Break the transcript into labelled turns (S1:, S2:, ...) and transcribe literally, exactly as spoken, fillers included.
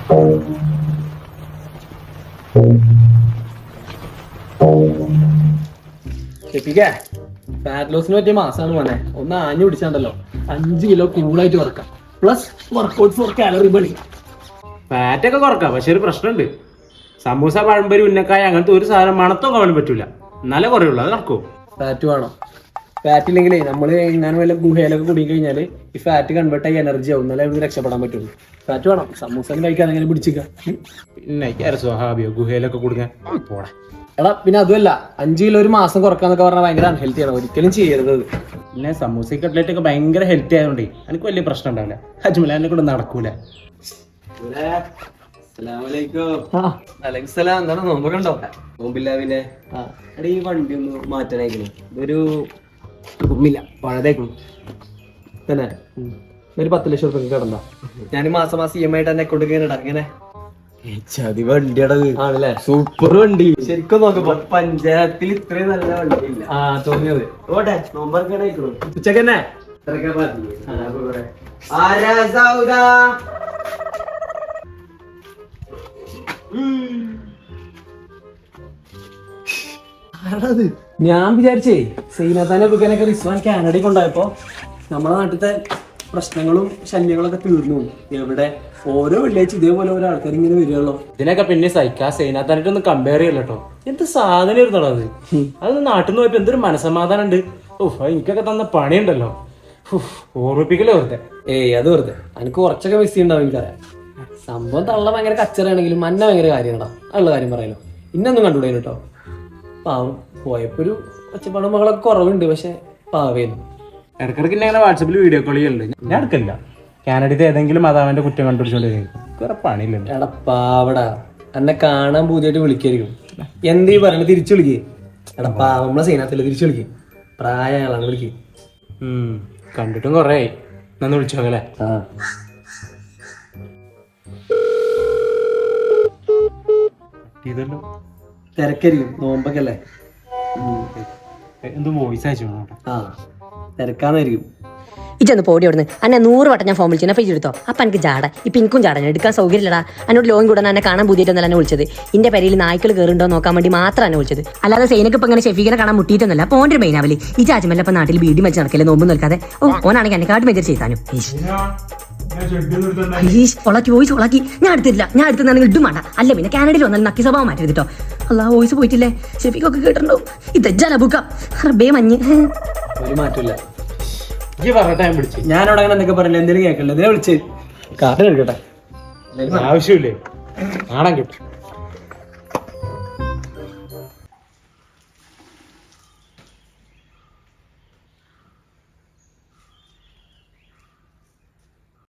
S1: Fat ലോസിന് പറ്റിയ മാസമാണ് മോനെ. ഒന്ന് ആഞ്ഞു പിടിച്ചാണ്ടല്ലോ അഞ്ച് കിലോ കൂളായിട്ട് കുറക്കാം. പ്ലസ് വർക്കൗട്ട് ഫോർ കാലറി ബണി.
S2: ഫാറ്റ് ഒക്കെ കുറക്കാം, പക്ഷെ ഒരു പ്രശ്നമുണ്ട്. സമൂസ, പഴംപൊരി, ഉന്നക്കായ അങ്ങനത്തെ ഒരു സാധനം മണത്തും കാണാൻ പറ്റൂല. എന്നാലേ കുറയുള്ളൂ. അത് നടക്കുമോ?
S1: ഫാറ്റ് വേണം. ഫാറ്റ് ഇല്ലെങ്കിലേ നമ്മള് എങ്ങനെ വല്ല ഗുഹയിലൊക്കെ കുടുങ്ങി കഴിഞ്ഞാല് ഈ ഫാറ്റ് കൺവേർട്ട് ആയി എനർജി ആവും. എന്നാലേ നമുക്ക് രക്ഷപ്പെടാൻ പറ്റുള്ളൂ. ഫാറ്റ് വേണം. സമൂസ കഴിക്കാതെ അങ്ങനെ പിടിച്ചിക്ക.
S2: പിന്നെ സ്വഹാബിയോ ഗുഹയിലൊക്കെ കൊടുക്കാൻ പോടാ.
S1: എടാ പിന്നെ അതുമല്ല, അഞ്ചു കിലോ ഒരു മാസം കുറക്കാന്നൊക്കെ പറഞ്ഞാൽ ഭയങ്കര അൺഹെൽത്തി ആണ്. ഒരിക്കലും ചെയ്യരുത്.
S2: പിന്നെ സമൂസ കട്ട്ലേറ്റ് ഒക്കെ ഭയങ്കര ഹെൽത്തി ആയതുകൊണ്ടേ എനിക്ക് വലിയ പ്രശ്നം ഉണ്ടാവില്ല. അജ്മലാനെ കൊണ്ട് നടക്കൂല.
S1: എന്താണ് നോമ്പൊക്കെ ഉണ്ടോ?
S3: നോമ്പില്ല. പിന്നെ എടാ ഈ വണ്ടി ഒന്ന് മാറ്റാനായിക്കണേ. ഇതൊരു ഉമ്മില്ല പഴതേക്കണം
S1: തന്നെ. ഒരു പത്ത് ലക്ഷം റുപ്യ കിടന്ന ഞാൻ മാസം മാസം ഇ എം ഐ ആയിട്ട് അക്കൗണ്ട് ഇങ്ങനെ ഇങ്ങനെ
S3: ചതി വണ്ടിയുടെ
S1: ആണല്ലേ?
S3: സൂപ്പർ വണ്ടി.
S1: ശരിക്കും നോക്കുമ്പോ
S3: പഞ്ചായത്തിൽ ഇത്രയും നല്ല വണ്ടി ഇല്ല.
S1: ആ തോന്നിയത്.
S3: ഓട്ടെ നോമ്പറക്കണ
S1: ഉച്ചക്ക് തന്നെ ഞാൻ വിചാരിച്ചേ സൈനാത്താനെ ബുക്കാനൊക്കെ റിസ്വാൻ കാനഡയിൽ കൊണ്ടുപോയപ്പോ നമ്മുടെ നാട്ടിലത്തെ പ്രശ്നങ്ങളും ശല്യങ്ങളൊക്കെ തീർന്നു. എവിടെ ഓരോ വെള്ളിയാഴ്ച ഇതേപോലെ ഓരോ ആൾക്കാർ ഇങ്ങനെ വരികയുള്ളൂ.
S2: ഇതിനൊക്കെ പിന്നെ സൈക്കാ സൈനാത്താനായിട്ടൊന്നും കമ്പയർ ചെയ്യല്ലോ കേട്ടോ. എന്ത് സാധനം ഇരുന്നോ അത്. അത് നാട്ടിൽ നിന്ന് പോയപ്പോ എന്തൊരു മനസമാധാനം ഉണ്ട്. ഓഹ് എനിക്കൊക്കെ തന്ന പണിയുണ്ടല്ലോ. ഓർമ്മിപ്പിക്കലോ വെറുതെ.
S1: ഏയ് അത് വെറുതെ. എനിക്ക് കുറച്ചൊക്കെ മിസ് ചെയ്യുന്നുണ്ടാവും. എനിക്കറിയാം സംഭവം തള്ള ഭയങ്കര കച്ചറാണെങ്കിലും മന്ന ഭയങ്കര കാര്യങ്ങളാ. ഉള്ള കാര്യം പറയാലോ. ഇന്നൊന്നും കണ്ടുകൂടാ കേട്ടോ. പാവം പോയപ്പോ ഒരു ഒച്ചപ്പാടും മകളൊക്കെ കുറവുണ്ട്. പക്ഷെ പാവേന്നു.
S2: ഇടക്കിടക്ക് ഇന്നെ അങ്ങനെ വാട്സപ്പിൽ വീഡിയോ കോൾ ചെയ്യുന്നുണ്ട്. ഞാൻ എടുക്കില്ല. കാനഡയിൽ ഏതെങ്കിലും മാതാവിന്റെ കുറ്റം കണ്ടുപിടിച്ചോണ്ടിരിക്കും. വേറെ പണിയില്ല.
S1: എടാ പാവടാ, എന്നെ കാണാൻ പുതിയായിട്ട് വിളിക്കായിരിക്കും. എന്തീ പറയണ തിരിച്ചു വിളിക്കേ. എടാ പാവ നമ്മളെ സൈനാത്തില്ല, തിരിച്ചു വിളിക്കേ. പ്രായങ്ങളാണ് വിളിക്കേ.
S2: ഉം കണ്ടിട്ടും കൊറേ ആയി. നന്ന് വിളിച്ചോക്കല്ലേ?
S1: ആ
S2: ഇതല്ലോ
S1: തിരക്കായിരിക്കും. നോമ്പൊക്കെ അല്ലേ?
S2: എന്തോ വോയിസ് അയച്ചു.
S1: ആ തിരക്കാന്നായിരിക്കും.
S4: ഇജൊന്ന് പോടി ഓടുന്നു. അന്നെ നൂറ് വട്ടം ഞാൻ ഫോൺ വിളിച്ചു. പൈസ എടുത്തോ. അപ്പം എനിക്ക് ജാട. ഇപ്പം എനിക്കും ജാട. എടുക്കാൻ സൗകര്യമില്ലടാ. എന്നോട് ലോൺ കൂടാൻ എന്നെ കാണാൻ പുതിയിട്ടൊന്നല്ല എന്നെ വിളിച്ചത്. ഇന്റെ പെരയിൽ നായ്ക്കൾ കയറുണ്ടോ നോക്കാൻ വേണ്ടി മാത്രം എന്നെ വിളിച്ചത്. അല്ലാതെ സൈനക്ക് ഇപ്പം ഇങ്ങനെ ഷെഫീഖിനെ കാണാൻ മുട്ടിയിട്ടൊന്നുമല്ല. അപ്പോൾ ഓൻ്റെ മെയിൻ ആവല് ഈ ചാച്ചമല്ല ഇപ്പം നാട്ടിൽ ബീഡി വെച്ച് നടക്കില്ല. നോമ്പ് നിൽക്കാതെ. ഓ ഓനാണെങ്കിൽ എന്നെക്കാട്ട് മെജർ ചെയ്താനും ഒളാക്കി വോയിസ് ഒളാക്കി. ഞാൻ എടുത്തില്ല. ഞാൻ എടുത്താണെങ്കിൽ ഇടും വേണ്ട. അല്ല പിന്നെ കാനഡയിൽ വന്നാൽ നക്കി സ്വഭാവം മാറ്റരുത് കേട്ടോ. അല്ലാ വോയിസ് പോയിട്ടില്ലേ? ഷെഫീഖൊക്കെ കേട്ടിട്ടുണ്ടോ? ഇതജ്ജാല ബുക്ക റബ്ബേ മഞ്ഞ്.
S1: ഒരു മാറ്റമില്ല.
S2: ഞാനവിടെ
S1: അങ്ങനെ എന്തൊക്കെ പറയില്ല. എന്തെങ്കിലും കേൾക്കണ്ട. എന്തിനാ വിളിച്ച്? കാർഡ് എടുക്കട്ടെ.
S2: ആവശ്യമില്ലേ? കാണാൻ കിട്ടും.